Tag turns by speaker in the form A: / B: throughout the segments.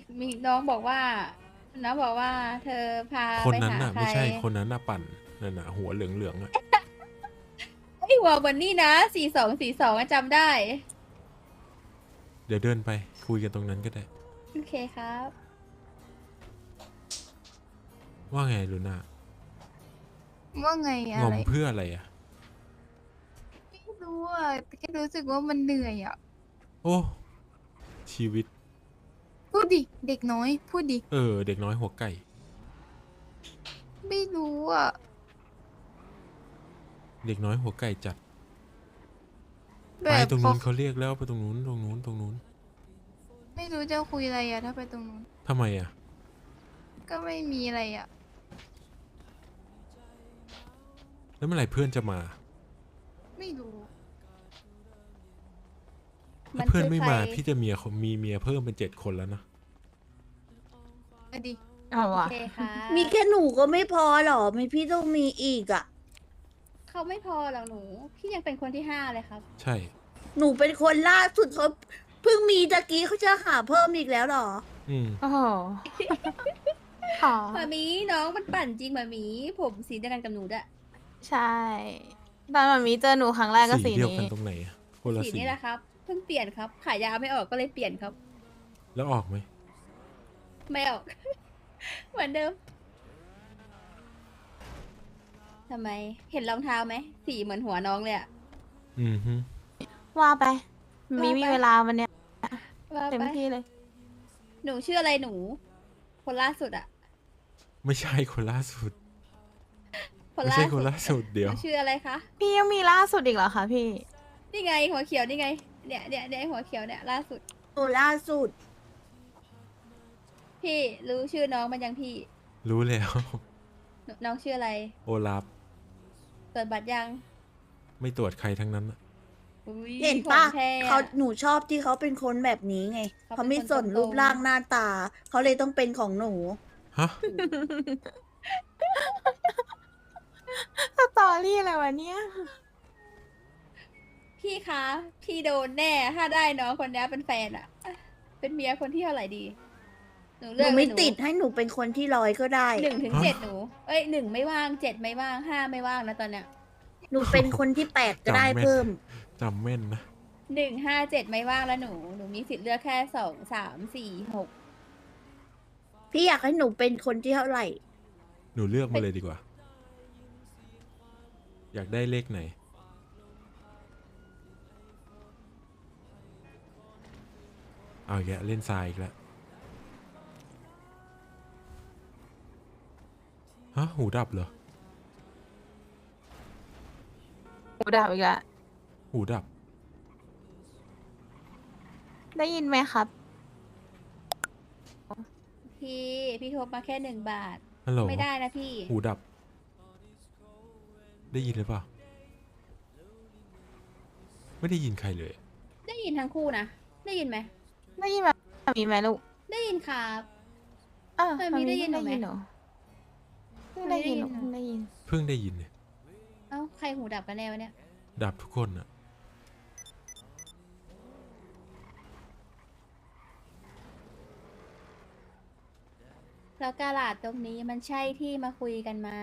A: มีน้องบอกว่าเธอพา
B: คน
A: ไป
B: นั้น
A: หา
B: น่ะ
A: ใคร
B: ไม่ใช่คนนั้นน่ะปั่นนั่นน่ะหัวเหลืองๆอ่ะ
A: ไอ้ยหัวเหมือนนี่นะ4242จำได้
B: เดี๋ยวเดินไปคุยกันตรงนั้นก็ได้
A: โอเคครับ
B: ว่าไงลูน่า
C: ว่าไง
B: ง
C: อะไร
B: อมเพื่ออะไรอ่ะ
C: ไม่รู้อ่ะแค่รู้สึกว่ามันเหนื่อยอ่ะ
B: โอ้ชีวิต
C: พูดดิเด็กน้อยพูดดิ
B: เด็กน้อยหัวไก่
C: ไม่รู้อ่ะ
B: เด็กน้อยหัวไก่จัด
C: แบ
B: ไป
C: บพอ
B: ตรงนู้นเขาเรียกแล้วไปตรงนู้นตรงนู้นตรงนู้น
C: ไม่รู้จะคุยอะไรอ่ะถ้าไปตรงนู้น
B: ทำไมอ่ะ
C: ก็ไม่มีอะไรอ่ะ
B: แล้วเมื่อไหร่เพื่อนจะมา
C: ไม่รู้
B: ถ้าเพื่อนไม่มาพี่จะมีเมียเพิ่มเป็น7 คนแล้วนะ
C: อะดิ
A: โอเคค่ะ
D: มีแค่หนูก็ไม่พอหรอไม่พี่ต้องมีอีกอ่ะ
A: เขาไม่พอหรอกหนูพี่ยังเป็นคนที่5เลยครับ
B: ใช่
D: หนูเป็นคนล่าสุดเขาเพิ่งมีตะกี้เขาจะหาเพิ่มอีกแล้วหรอ
B: อืม
C: โอ้โห
A: หมามีน้องมันปั่นจริงหมามีผมสีเดียวกันกับหนูด้วย
C: ใช่ตอนมันมีเจอหนูครั้งแรกก็สี
B: เดียว
C: นี้
B: กันตรงไหนอะคนละ
A: สี
B: สี
A: นี่แหละครับเพิ่งเปลี่ยนครับขายยาไม่ออกก็เลยเปลี่ยนครับ
B: แล้วออกไหม
A: ไม่ออก เหมือนเดิมทำไมเห็นรองเท้าไหมสีเหมือนหัวน้องเลยอะ
B: อืมฮึ
C: ว่าไป
A: ว่าไป
C: มีเวลาวันเนี้ย
A: ว่า
C: เต็ม
A: ไป
C: ที่เลย
A: หนูชื่ออะไรหนู คนล่าสุดอะ
B: ไม่ใช่คนล่าสุด
A: คน
B: ไม่
A: ล่า
B: ใช่
A: สุ
B: ค
A: ด
B: นล่าสุดเดี๋
A: ห
B: ยว
A: นูชื่ออะไรคะ
C: พี่ยังมีล่าสุดอีกเหรอคะพี่
A: นี่ไงหัวเขียวนี่ไงเนี่ยหัวเขียวเนี่ยล่าสุด
D: หนูล่าสุด
A: พี่รู้ชื่อน้องมันยังพี่
B: รู้แล้ว
A: น้องชื่ออะไร
B: โอลาฟ
A: ตรวจบัตรยัง
B: ไม่ตรวจใครทั้งนั้นอะ
A: อุ๊ย
D: เห็น
A: ข
D: ปะ
A: องแท้อะ
D: เขาหนูชอบที่เขาเป็นคนแบบนี้ไง
A: เขาเป็น
D: เขาไม่สน
A: คนตรงๆ
D: รูปร่างหน้าตา เขาเลยต้องเป็นของหนู
B: ฮะ
C: สตอรี่อะไรวะเนี่ย
A: พี่คะ พี่โดนแน่ ถ้าได้น้องคนนี้เป็นแฟนอะเป็นเมียคนที่เท่าไหร่ดี หนู
D: ห
A: เลื
D: นู
A: อก
D: ไม่
A: เลย
D: ติดให้หนูเป็นคนที่ร้อยก็ได้
A: 1 ถึง 7หนู เอ้ย1ไม่ว่าง7ไม่ว่าง5ไม่ว่างนะตอนเนี้ย
D: หนูเป็นคนที่8ก็ได้
B: จำแม่น
D: เพิ่ม
B: จำแม่นนะ
A: 1 5 7ไม่ว่างแล้วหนูมีสิทธิ์เลือกแค่2 3 4 6
D: พี่อยากให้หนูเป็นคนที่เท่าไหร่
B: หนูเลือกมาเลยดีกว่า อยากได้เลขไหน เอาอีกแล้วเล่นทรายอีกแล้วฮะหูดับเหรอ
C: หูดับอีกแล้ว
B: หูดับ
C: ได้ยินไหมครับ
A: พี่ทบมาแค่1 บาท
B: ฮัลโหล
A: ไม่ได้นะพี่
B: หูดับ ได้ยินหรือเปล่า ไม่ได้ยินใครเลย
A: ได้ยินทั้งคู่นะ ได้ยินไหม
C: ได้ยินแบบมีไหมลูก
A: ได้ยินครับ
C: เธอมีได้ยินหนูไหมเพิ่งได้ยินหนูเพิ่งได้ยิน
B: เพิ่งได้ยินเนี่ย
A: เอ้าใครหูดับกันแน่วะเนี่ย
B: ดับทุกคนอะ
A: แล้วกาลาดตรงนี้มันใช่ที่มาคุยกันไหม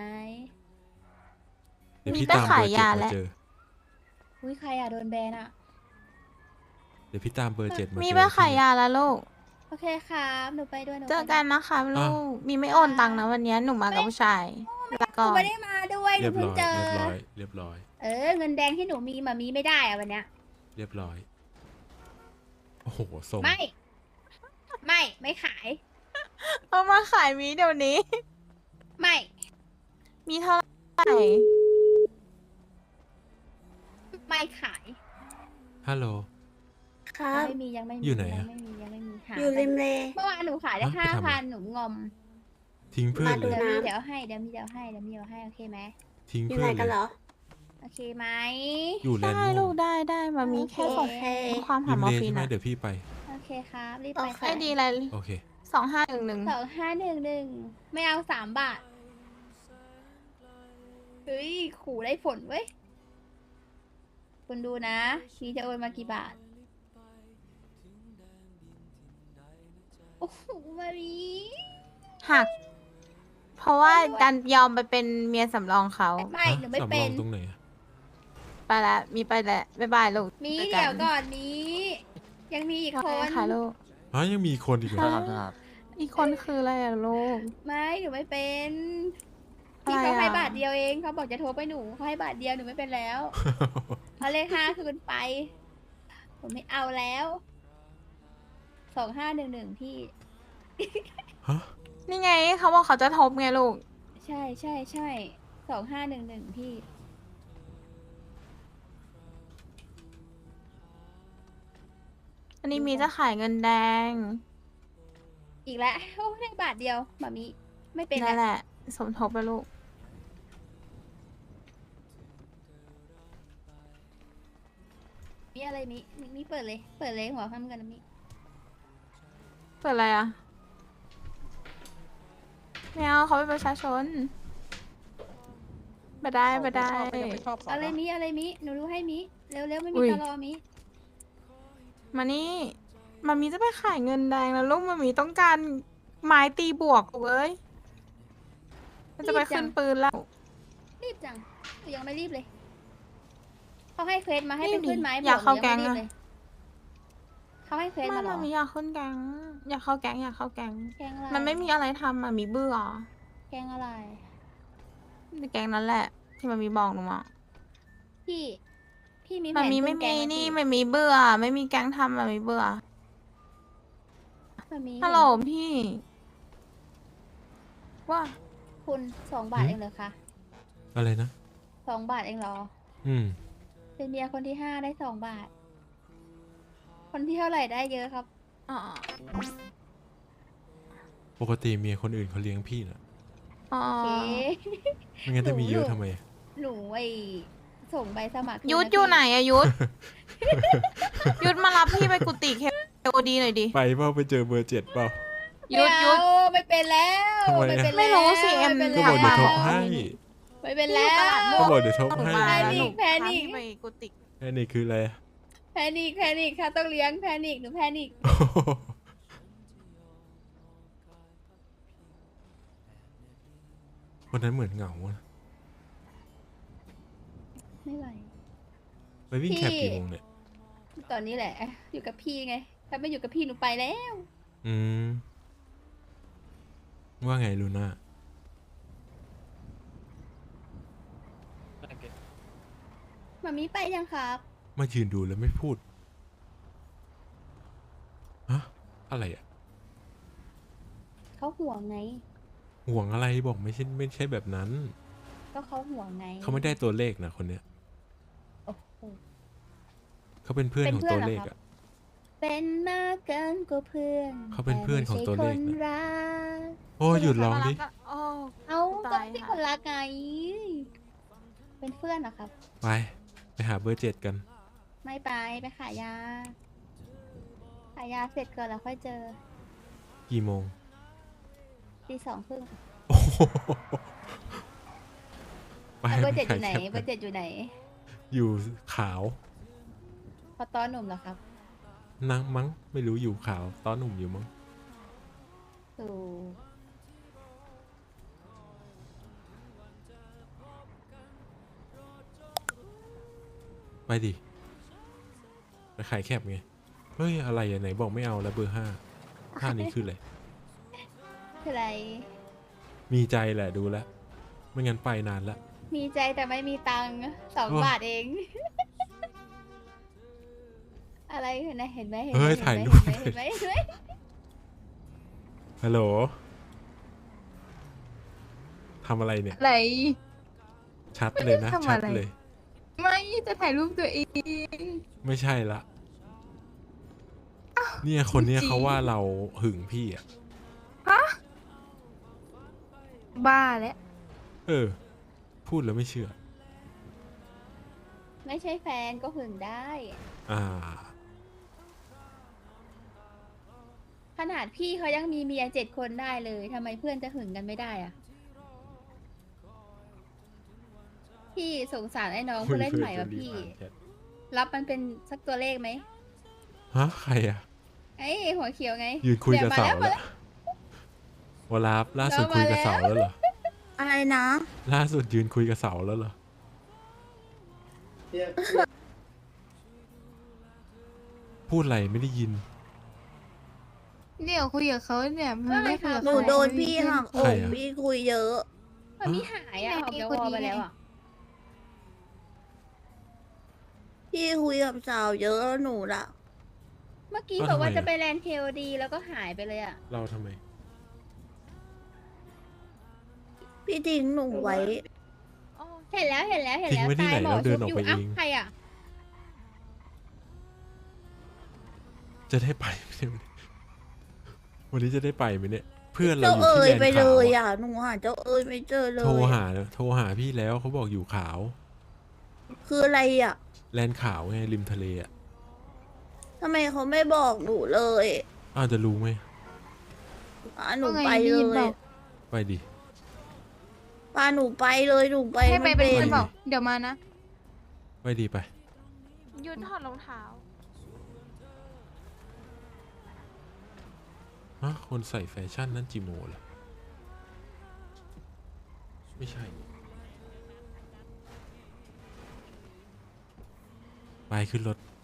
B: เดี๋ยวพี่
C: มีแต่
B: ตามเบอ
C: ขาย
B: ร์
C: ยา
B: 7
C: แล้
B: มาว เจอ
A: อุ้ยใครอะโดนแบนอะ
B: เดี๋ยวพี่ตามเบอร์ 7 มา
C: มี
B: เจอ
C: ไปขายยาแล้วลูก
A: โอเคครับหนูไปด้วยหนู
C: เจอ
A: ไป
C: กันนะคะลูก มีไม่โอนตังค์นะวันนี้หนูมากับผู้ชายลา
A: ห
C: ก่
A: นู
C: อน
A: ไม่ได้มาด้วยห
B: เรี
A: นู
B: ยบ
A: เพิ่
B: ร้
A: ง
B: อย
A: เจอ
B: เรียบร้อย เรียบร้อย
A: เงินแดงที่หนูมีมามีไม่ได้อะวันเนี้ย
B: เรียบร้อย โอ้โหส่ง
A: ไม่ขาย
C: เอามาขายมีเดี๋ยวนี้
A: ไม่
C: มีเท่าไหร่
A: ไม่ขาย
B: ฮัลโหล
D: ครับ
A: ยังไม่มี
B: อยู่ไหนอะ
A: ยังไม่มีหา
D: อยู่ริมเล
A: เมื่อวานหนูขายได้
B: ฮะไปทำอะไร
A: 5,000หนูงอม
B: ทิ้งเพื่อน
D: มาดู
B: เลย
A: เดี๋ยวมี
D: นะ
A: เดี๋ยวให้เดี๋ยวมีเดี๋ยวให้โอเคไหม
B: ทิ้ง
D: อยู่
B: เพื่
D: ไหน
B: อน
D: กัน
B: เล
D: เหร
B: ย
D: อ
A: โอเคไหม
B: อยู่แลนด์
C: ได้
B: ม่
C: ลู
B: ว
C: ก
B: ง
C: ได้มามีแค่ส่ง
D: โอเค
C: ความ
B: ริ
C: หาม มอ
B: เล
C: ร์ฟี
B: ใช่
C: น
B: ไหม
C: อะ
B: เดี๋ยวพี่ไป
A: โอเคครับรีบ
D: โอ
A: ไป
D: เค
A: ค่ะ
C: ไอดีอะไร
B: โอเค
C: 2511
A: 2511ไม่เอา3 บาทเฮ้ยขู่ได้ผลเว้ยคุณดูนะชีจะโอนมากี่บาทโอ้โหมามี
C: หัก เพราะว่าดันยอมไปเป็นเมียสำรองเขา
A: ไม่หนูไม่
B: สำร
A: เป็
B: อน งตรงไหนอะ
C: ไปแล้วมีไปแล้วบ๊ายบายลูก
A: มี
C: จอ
A: เดี๋ยวก่อนมี ยังมีอีก
C: ขอ
A: ค
C: ให้
A: น
C: ค่ะลูก
B: อ๋อยังมีคนอีกเหรอ
C: อีกคนคืออะไรอะลูก
A: ไม่หนูไม่เป็น
C: อะไร
A: พี่เขาให้
C: อะ
A: บาทเดียวเองเขาบอกจะโทรไปหนูเขาให้บาทเดียวหนูไม่เป็นแล้วเอาเลข5คืนไป ผมไม่เอาแล้ว2511พี่
B: ฮะ
C: นี่ไงเขาบอกเขาจะทบไงลูก
A: ใช่2511พี่
C: อันนี้มีจะขายเงินแดง
A: อีกแล้วโอ้ได้บาทเดียวมามีไม่เป็น
C: นั่น
A: แล้ว
C: แหละ สมทบไปลูก
A: มีอะไรมีเปิดเลย เปิดเลยหัวคำกันนะมี
C: เปิดอะไรอะไม่เอาเขาเป็นประชาชนมาได้มาได้
A: อะไรมีหนูรู้ให้มีเร็วไม่
C: อุ๊
A: มี
C: ย
A: ตลอมี
C: มานี่มามีจะไปขายเงินแดงแล้วลูกมามีต้องการไม้ตีบวกเว้ยมันจะไปขึ้นปืนแล้ว
A: รีบจังหนูยังไม่รีบเลยเขาให้เควสมาให้
C: รี
A: เป็
C: บ
A: น
C: ดิ
A: ขึ้นไม้
C: อยากเข้า
A: บ
C: แก๊ง
A: ยัง
C: อะ
A: ไม่รีบเลยเขาให้เควส
C: ไม่
A: มาเหรอ
C: มามีอยากขึ้นแก๊งอยากเข้าแก๊งอยากเข้าแก๊ง
A: แกงอะไร
C: มันไม่มีอะไรทำอะมีเบื่อ
A: แกงอะไร
C: มีแก๊งนั้นแหละ ที่มันมีบอกหนูมา
A: พี่มีแผ
C: มัน
A: น
C: มี
A: ขึ้
C: ไม่
A: แก
C: มี
A: งห
C: นี่
A: พี่
C: ไม่มีเบื่อ ไม่มีแก๊งทำมันมีเบื่อ
A: มันมี
C: ฮัลโหลพี่ ว่า
A: คุณ2 บาทเองเหรอคะ
B: อะไรนะ
A: 2 บาทเองเหรอ
B: อืม
A: เป็นเมียคนที่5ได้2 บาท คนที่เท่าไหร่ได้เยอะครับ
C: อ๋อ
B: ปกติเมียคนอื่นเขาเลี้ยงพี่นะ
C: อ๋อ
A: โอเค
B: ไม่งั้นจะมีเยอะทำไม
A: หนูส่งใบสมัครคืน
C: ยุทธ
A: นะ
C: อยู่
A: พี่
C: ไหนอะยุทธ ยุทธมารับพี่ไปกุฏิเคโอดีหน่อยดิ
B: ไปเปล่าไปเจอเบอร์ 7เปล่า
C: ยุทธยุทธ
A: ไม่เป็นแล้ว
B: ทำไมอะ
A: ไม่เป็นแล้ว
C: ไม่รู้สิเอ็ม
A: ไเป็น
B: ก็
A: แล้ว
B: บอกเดี๋ยวทบให้
A: ไม่เป็นแล้ว
B: ก็บอกเดี๋ยวทบให้
C: มา
A: แพ
C: แล้ว
A: นิ
C: หนู
A: คแพนิค
C: พาพี่ไปกุฏิ
B: แค่นี้คืออะไร
A: แพนิคค่ะต้องเลี้ยงแพนิคหนูแพนิค
B: วันนั้นเหมือนเหงาอะ
A: ไม่ไหว
B: ไปวิ่ง
A: พี่
B: แคปกี่โมงเนี่ย
A: ตอนนี้แหละ อยู่กับพี่ไง ถ้าไม่อยู่กับพี่หนูไปแล้ว
B: อืม ว่าไงลูน่า
A: มามีไปยังครับ
B: มายืนดูแล้วไม่พูด ฮะ อะไรอ่ะ
A: เขาห่วงไง
B: ห่วงอะไรบอกไม่ใช่แบบนั้น
A: ก็เขาห่วงไง
B: เขาไม่ได้ตัวเลขนะคนเนี้ย
A: โอ้โห
B: เขาเป็นเพื่อน
A: เป็น
B: ของ
A: เพื่อน
B: ตัว
A: เหรอ
B: เลข
A: ครับ
B: อ่ะ
A: เป็นมากเกินกว่าเพื่อน
B: เขาเป็นเพื่อนของตัวเลขนะ
A: แไม่ใช่คนรัก
B: โอ้ยหยุดร้องดิ
C: โอ้
A: เอา
C: ตาย
A: ก็พี่
C: ค่ะ
A: คนรักไง เป็นเพื่อนเหรอครับ
B: ไปหาเบอร์ 7กัน
A: ไม่ไปขายยา ขายยาเสร็จก่อนแล้วค่อยเจอ
B: กี่โมง
A: 2:30
B: โอ้โหไป
A: เบอร์ 7
B: ไป
A: อยู่ไหน
B: ขายแคป
A: เบอร์ 7 อยู่ไหน
B: อยู่ขาว
A: พอตอนหนุ่มเหรอครับ
B: นังมั้ง ไม่รู้อยู่ขาว ตอนหนุ่มอยู่มั้ง
A: สู่
B: ไปดิ ไปขายแคปไง เฮ้ย อะไรอ่ะไหนบอกไม่เอาแล้วเบอร์ 5นี้คืออะไร
A: คืออะไร
B: มีใจแหละดูแล้ว ไม่งั้นไปนานละ
A: มีใจแต่ไม่มีตังค์
B: โอ้
A: 2 บาทเอง อะไรเห็นไหมเห็นไหม
B: เฮ้ยถ่ายรูป
A: เห็นไหมเห็นไหม
B: ฮัลโหลทำอะไรเนี่ย
C: อะไร
B: ชัดเลยนะ
C: ไม่ได้ทำ
B: ชัด
C: อะไร
B: เลย
C: ไม่จะถ่ายรูปตัวเอง
B: ไม่ใช่ละ เนี่ยคนเนี้ย
C: จริง
B: เขาว่าเราหึงพี่อ่ะ
C: บ้าแล้ว
B: เออ พูดแล้วไม่เชื่อ
A: ไม่ใช่แฟนก็หึงได้
B: อ่า
A: ขนาดพี่เขายังมีเมีย7 คนได้เลยทำไมเพื่อนจะหึงกันไม่ได้อะพี่สงสารไอ้น้องผู้เล่นใหม่ว่ะพี่ รับมันเป็นสักตัวเลขไหม
B: ฮะ ใครอ่ะ
A: ไอ้คหัวเขียวไง
B: ยืนคุยกับเสา
A: นี่
B: แล้ววลาฟล่าสุดคุยกับเสาแล้วเหรอ
D: อะไรนะ
B: ล่าสุดยืนคุยกับเสาแล้วเหรอ พูดอะไรไม่ได้ยิน
C: เดี๋ยวคุยกับเขาเนี่ยมันไม่คุยกับ
D: หนู
C: เขา
D: โดนพี่หักอ
B: ใคร
D: ก
B: อะ
D: พี่คุยเยอะ
A: มันมีหายอ่ะออกจากวอลไปแล้วอ่ะ
D: พี่คุยกับสาวเยอะหนูละ
A: เมื่อกี้
B: อ้าว
A: บอกว่า
B: ทำไม
A: จะ
B: อะ
A: ไปแลนด์เคลดีแล้วก็หายไปเลยอ่ะ
B: เราทำไม
D: พี่ทิ้งหนูไว้
A: เห็นแล้ว
B: ทิ้งไว้ที่ไหน
A: ตายหมอ
B: แล้วเดิ
A: ชุ
B: น
A: บ
B: ออก
A: อยู่
B: ไป
A: อ้าว
B: เอง
A: ใครอ่ะ
B: จะได้ไปไหมเนี่ยวันนี้จะได้ไปไหมเนี่ย เพื่อนเรา
D: เจ้า
B: อยู่
D: เอ๋
B: ที่
D: ย
B: แลน
D: ไป
B: ด์
D: เล
B: ขาวย อะ
D: อ่ะหนูหาเจ้าเอ๋ยไม่เจอเลย
B: โทรหาพี่แล้วเขาบอกอยู่ขาว
D: คืออะไรอ่ะ
B: แลนด์ขาวไงริมทะเลอ่ะ
D: ทำไมเขาไม่บอกหนูเลย
B: อ้าวจะรู้ไหม
D: พาหนู
C: ว่าไง
D: ไป
C: ได้
D: เล
C: ยินเป
D: ย
C: ล่า
B: ไปดิ
D: พาหนูไปเลยหนูไป
C: ให้ไป
D: ม่
C: เป็น
B: ไป
C: เพื่อน
B: ดิ
C: เปล่าเดี๋ยวมานะ
B: ไปดีไป
C: ยืนถอดรองเท้า
B: ฮะคนใส่แฟชั่นนั่นจิโมเหรอ ไม่ใช่ ไปขึ้นรถ